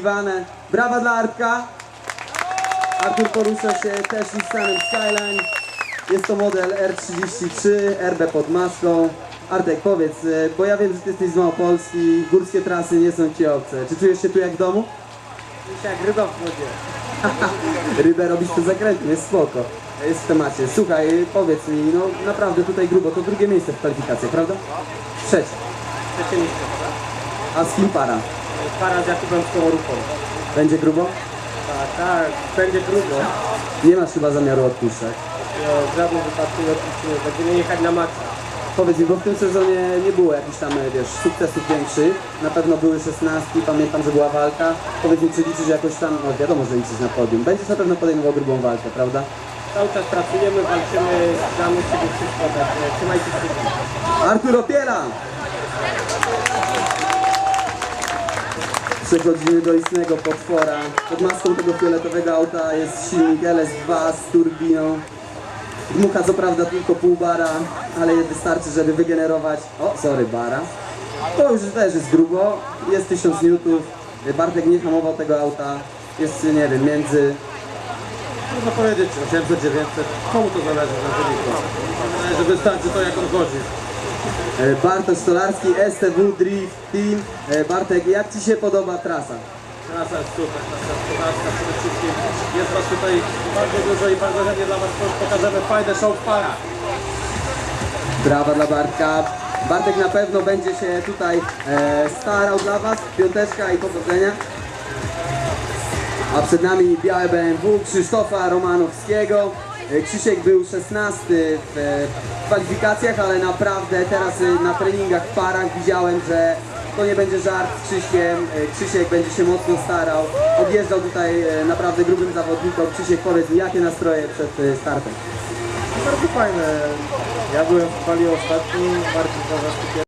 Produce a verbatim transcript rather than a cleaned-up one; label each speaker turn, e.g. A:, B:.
A: wyczekiwane. Brawa dla Artka. Artur porusza się też Nissanem Skyline. Jest to model R trzydzieści trzy, R B pod maską. Artek, powiedz, bo ja wiem, że ty jesteś z Małopolski, górskie trasy nie są ci obce. Czy czujesz się tu jak w domu?
B: Jak ryba w wodzie.
A: Rybę robisz to zakrętnie, jest spoko. Jest w temacie. Słuchaj, powiedz mi, no naprawdę tutaj grubo, to drugie miejsce w kwalifikacjach, prawda? Trzecie.
B: Trzecie miejsce.
A: A z kim para?
B: Para z Jakubem Skomorówką.
A: Będzie grubo?
B: Tak, tak, będzie grubo.
A: Nie masz chyba zamiaru odpuszczać.
B: No, w żadnym wypadku nie odpuścimy. Będziemy jechać na maksa.
A: Powiedz mi, bo w tym sezonie nie było jakichś tam, wiesz, sukcesów większych. Na pewno były szesnastki, pamiętam, że była walka. Powiedz mi, czy liczysz jakoś tam, no wiadomo, że liczysz na podium. Będziesz na pewno podejmował grubą walkę, prawda?
B: Cały czas pracujemy, walczymy, damy z siebie wszystko, także trzymajcie kciuki.
A: Artur Opiela! Przechodzimy do istnego potwora. Pod maską tego fioletowego auta jest silnik L S dwa z turbiną. Dmucha co prawda tylko pół bara, ale wystarczy, żeby wygenerować... O, sorry, bara. To już też jest grubo, jest tysiąc newtonów. Bartek nie hamował tego auta. Jest, nie wiem, między...
C: Można powiedzieć osiemset dziewięćset, komu to zależy na wyniku? Wydaje, że wystarczy to, jak on chodzi.
A: Bartosz Stolarski, S T W Drift Team. Bartek, jak ci się podoba trasa?
C: Trasa jest super, trasa gospodarska przede wszystkim. Jest was tutaj bardzo dużo i bardzo chętnie dla was pokażemy fajne show w parach.
A: Brawa dla Bartka. Bartek na pewno będzie się tutaj e, starał dla was. Piąteczka i powodzenia. A przed nami białe B M W Krzysztofa Romanowskiego. E, Krzysiek był szesnasty w e, kwalifikacjach, ale naprawdę teraz e, na treningach w parach widziałem, że to nie będzie żart z Krzyśkiem. E, Krzysiek będzie się mocno starał. Odjeżdżał tutaj e, naprawdę grubym zawodnikom. Krzysiek, powiedz mi, jakie nastroje przed e, startem?
C: Bardzo fajne. Ja byłem w kwali ostatni, bardziej za